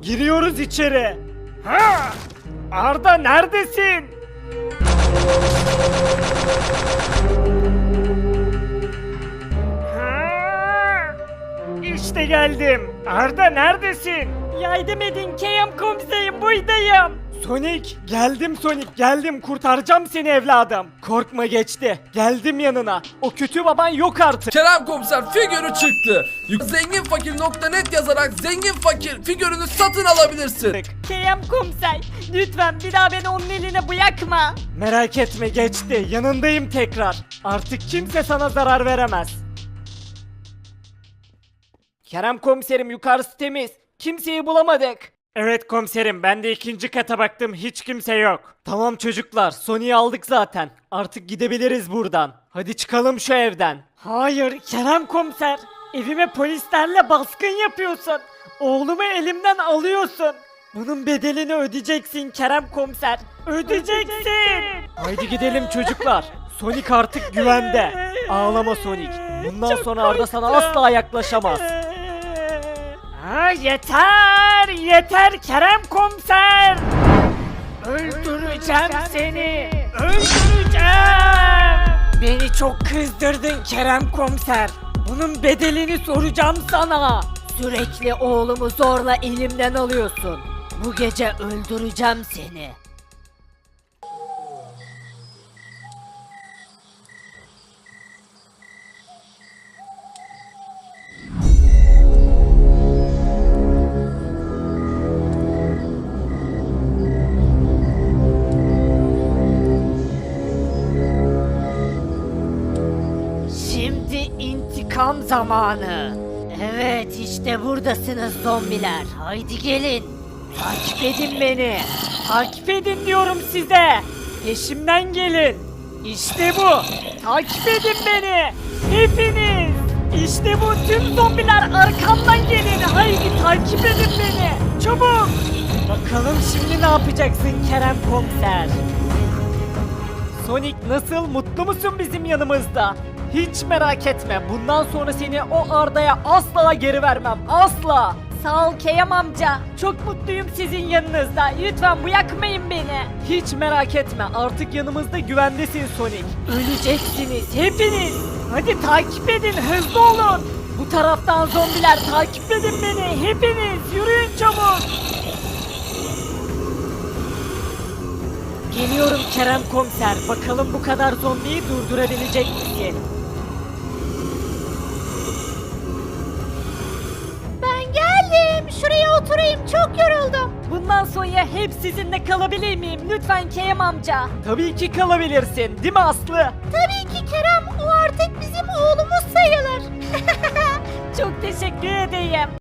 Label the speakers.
Speaker 1: Giriyoruz içeri. Ha! Arda neredesin? Ha! İşte geldim. Arda neredesin? Yardım edin Kerem komiserim, buradayım. Sonic geldim, Sonic geldim, kurtaracağım seni evladım. Korkma, geçti. Geldim yanına. O kötü baban yok artık.
Speaker 2: Kerem komiser figürü çıktı. Zenginfakir.net yazarak zengin fakir figürünü satın alabilirsin.
Speaker 3: Kerem komiser, lütfen bir daha beni onun eline bırakma.
Speaker 1: Merak etme, geçti. Yanındayım tekrar. Artık kimse sana zarar veremez. Kerem komiserim, yukarısı temiz. Kimseyi bulamadık. Evet komiserim, ben de ikinci kata baktım, hiç kimse yok. Tamam çocuklar, Sony'yi aldık zaten. Artık gidebiliriz buradan. Hadi çıkalım şu evden. Hayır Kerem komiser. Evime polislerle baskın yapıyorsun. Oğlumu elimden alıyorsun. Bunun bedelini ödeyeceksin Kerem komiser. Ödeyeceksin. Haydi gidelim çocuklar. Sonic artık güvende. Ağlama Sonic. Bundan sonra Arda sana asla yaklaşamaz. Ha, yeter! Yeter Kerem komiser! Öldüreceğim seni! Öldüreceğim! Beni çok kızdırdın Kerem komiser. Bunun bedelini soracağım sana.
Speaker 3: Sürekli oğlumu zorla elimden alıyorsun. Bu gece öldüreceğim seni. Şimdi intikam zamanı. Evet, işte buradasınız zombiler. Haydi gelin. Takip edin beni.
Speaker 1: Takip edin diyorum size. Peşimden gelin. İşte bu. Takip edin beni. Hepiniz. İşte bu, tüm zombiler arkamdan gelin. Haydi takip edin beni. Çabuk. Bakalım şimdi ne yapacaksın Kerem komiser? Sonic nasıl, mutlu musun bizim yanımızda? Hiç merak etme, bundan sonra seni o Arda'ya asla geri vermem, asla.
Speaker 3: Sağ ol Kerem amca. Çok mutluyum sizin yanınızda. Lütfen bırakmayın beni.
Speaker 1: Hiç merak etme, artık yanımızda güvendesin Sonic. Öleceksiniz hepiniz. Hadi takip edin, hızlı olun. Bu taraftan zombiler, takip edin beni hepiniz. Yürüyün çabuk. Geliyorum Kerem komiser. Bakalım bu kadar zombiyi durdurabilecek misin?
Speaker 3: Ben geldim. Şuraya oturayım. Çok yoruldum. Bundan sonra hep sizinle kalabilir miyim? Lütfen Kerem amca.
Speaker 1: Tabii ki kalabilirsin, değil mi Aslı?
Speaker 3: Tabii ki Kerem. O artık bizim oğlumuz sayılır. Çok teşekkür ederim.